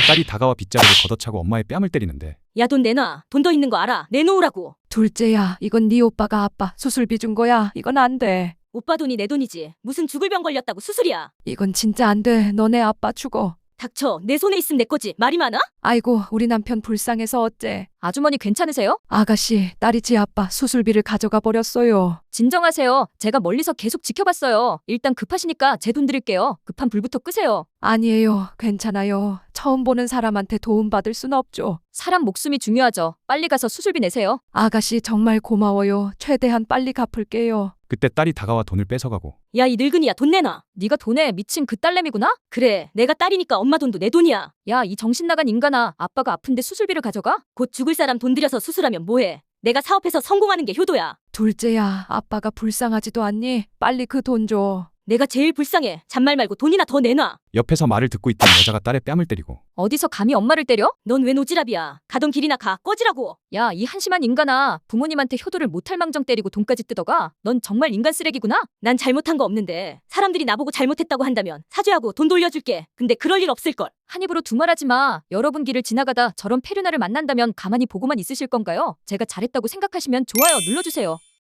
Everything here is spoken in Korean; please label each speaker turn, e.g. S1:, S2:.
S1: 딸이 다가와 빗자루를 걷어차고 엄마의 뺨을 때리는데
S2: 야, 돈 내놔. 돈 더 있는 거 알아. 내놓으라고.
S3: 둘째야, 이건 네 오빠가 아빠 수술비 준 거야. 이건 안 돼.
S2: 오빠 돈이 내 돈이지. 무슨 죽을 병 걸렸다고 수술이야.
S3: 이건 진짜 안 돼. 너네 아빠 죽어.
S2: 닥쳐. 내 손에 있으면 내 거지. 말이 많아?
S3: 아이고, 우리 남편 불쌍해서 어째.
S4: 아주머니 괜찮으세요?
S3: 아가씨, 딸이 지 아빠 수술비를 가져가 버렸어요.
S4: 진정하세요. 제가 멀리서 계속 지켜봤어요. 일단 급하시니까 제 돈 드릴게요. 급한 불부터 끄세요.
S3: 아니에요. 괜찮아요. 처음 보는 사람한테 도움받을 순 없죠.
S4: 사람 목숨이 중요하죠. 빨리 가서 수술비 내세요.
S3: 아가씨 정말 고마워요. 최대한 빨리 갚을게요.
S1: 그때 딸이 다가와 돈을 뺏어가고
S2: 야, 이 늙은이야. 돈 내놔.
S4: 네가 돈에 미친 그 딸내미구나?
S2: 그래. 내가 딸이니까 엄마 돈도 내 돈이야.
S4: 야, 이 정신 나간 인간아. 아빠가 아픈데 수술비를 가져가?
S2: 곧 죽을 사람 돈 들여서 수술하면 뭐해. 내가 사업해서 성공하는 게 효도야.
S3: 둘째야, 아빠가 불쌍하지도 않니? 빨리 그 돈 줘.
S2: 내가 제일 불쌍해. 잔말 말고 돈이나 더 내놔.
S1: 옆에서 말을 듣고 있던 여자가 딸의 뺨을 때리고
S4: 어디서 감히 엄마를 때려?
S2: 넌 왜 노지랖이야. 가던 길이나 가. 꺼지라고.
S4: 야, 이 한심한 인간아. 부모님한테 효도를 못할 망정 때리고 돈까지 뜯어가? 넌 정말 인간 쓰레기구나?
S2: 난 잘못한 거 없는데 사람들이 나보고 잘못했다고 한다면 사죄하고 돈 돌려줄게. 근데 그럴 일 없을걸.
S4: 한 입으로 두말하지 마. 여러분 길을 지나가다 저런 페르나를 만난다면 가만히 보고만 있으실 건가요? 제가 잘했다고 생각하시면 좋아요 눌러주세요.